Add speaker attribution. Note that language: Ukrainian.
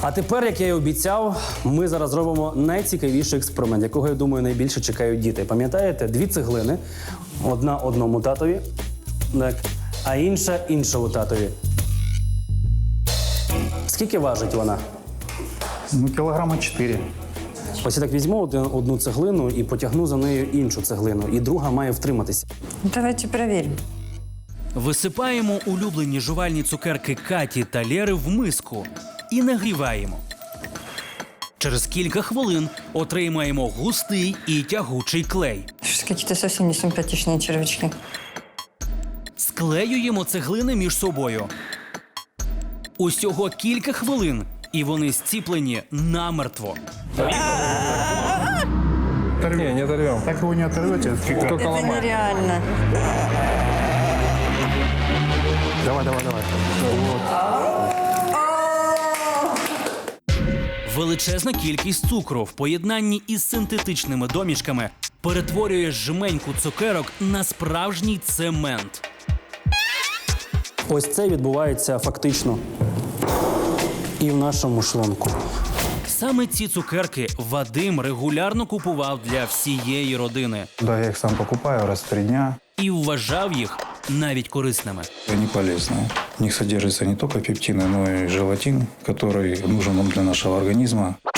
Speaker 1: А тепер, як я і обіцяв, ми зараз зробимо найцікавіший експеримент, якого, я думаю, найбільше чекають діти. Пам'ятаєте, 2 цеглини, одна одному татові, так, а інша іншому татові. Скільки важить вона?
Speaker 2: Ну, килограмма 4.
Speaker 1: Ось я так візьму одну цеглину і потягну за нею іншу цеглину, і друга має втриматися.
Speaker 3: Давайте проверим.
Speaker 4: Висипаємо улюблені жувальні цукерки Каті та Лєри в миску і нагріваємо. Через кілька хвилин отримаємо густий і тягучий клей.
Speaker 3: Что-то какие-то совсем не симпатичные червячки.
Speaker 4: Склеюємо цеглини між собою. Усього кілька хвилин, і вони зціплені намертво.
Speaker 2: Не, не оторвем. Так его не оторвете. Только
Speaker 3: Это
Speaker 2: ломать.
Speaker 3: нереально.
Speaker 2: Давай.
Speaker 4: Величезна кількість цукру в поєднанні із синтетичними домішками перетворює жменьку цукерок на справжній цемент.
Speaker 1: Ось це відбувається фактично і в нашому шлунку.
Speaker 4: Саме ці цукерки Вадим регулярно купував для всієї родини
Speaker 2: Да, я их сам покупаю раз в 3 дня.
Speaker 4: і вважав їх навіть корисними.
Speaker 2: Они полезные. В них содержится не только пептины, но и желатин, который нужен нам для нашего организма.